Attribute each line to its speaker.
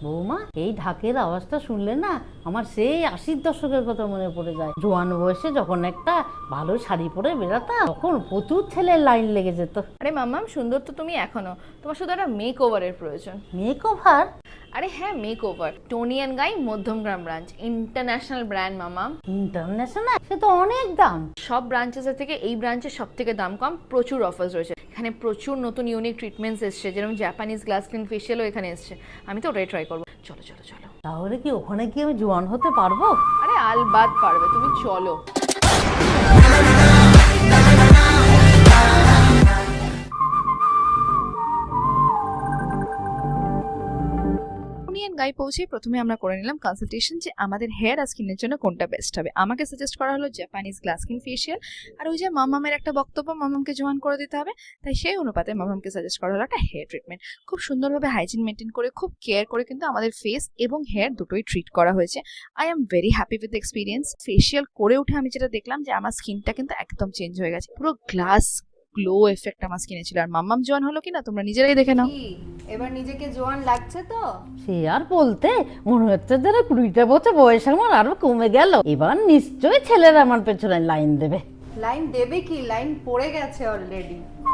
Speaker 1: বৌমা, এই ঢাকের আওয়াজটা শুনলে না আমার সেই 80-র দশকের কথা মনে পড়ে যায়। জোয়ান বয়সে যখন একটা ভালো শাড়ি পরে বেরাতাম, তখন প্রচুর ছেলের লাইন লেগে যেত।
Speaker 2: আরে মাম্মাম, সুন্দর তো তুমি এখনো, তোমার শুধু একটা মেক ওভারের প্রয়োজন।
Speaker 1: Make over?
Speaker 2: আরে হ্যাঁ, make over. Toni and Guy Madhyamgram branch, international brand মাম্মাম।
Speaker 1: ইন্টারন্যাশনাল? সে তো অনেক দাম।
Speaker 2: সব ব্রাঞ্চেসের থেকে এই ব্রাঞ্চের সব থেকে দাম কম, প্রচুর অফার্স রয়েছে এখানে, প্রচুর নতুন ইউনিক ট্রিটমেন্টস এসছে, যেরকম জাপানিজ গ্লাস স্কিন ফেশিয়ালও এখানে এসছে। আমি তো ওটাই ট্রাই করবো। চলো চলো চলো।
Speaker 1: তাহলে কি ওখানে কি আমি জোয়ান হতে পারবো?
Speaker 2: আরে আলবাদ পারবে, তুমি চলো। গাই পৌঁছে প্রথমে আমরা করে নিলাম কনসালটেশন, যে আমাদের হেয়ার আর স্কিনের জন্য কোনটা বেস্ট হবে। আমাকে সাজেস্ট করা হলো জাপানিজ গ্লাস স্কিন ফেশিয়াল, আর ওই যে মামামের একটা বক্তব্য, মামামকে জোয়ান করে দিতে হবে, তাই সেই অনুপাতে মামামকে সাজেস্ট করা হলো একটা হেয়ার ট্রিটমেন্ট। খুব সুন্দরভাবে হাইজিন মেনটেন করে, খুব কেয়ার করে কিন্তু আমাদের ফেস এবং হেয়ার দুটোই ট্রিট করা হয়েছে। I am very happy with experience. Facial করে উঠে আমি যেটা দেখলাম যে আমার স্কিনটা কিন্তু একদম চেঞ্জ হয়ে গেছে, পুরো গ্লাস গ্লো এফেক্ট আমার স্কিনে ছিল। আর মাম্মাম জোয়ান হলো কিনা তোমরা নিজেরাই দেখে নাও।
Speaker 3: এবার নিজেকে জোয়ান লাগছে তো?
Speaker 1: সে আর বলতে, মনে হচ্ছে যেন 20টা বছর বয়স আমার আরো কমে গেল। এবার নিশ্চয়ই ছেলেরা আমার পেছনে লাইন দেবে।
Speaker 3: লাইন দেবে কি, লাইন পড়ে গেছে অলরেডি।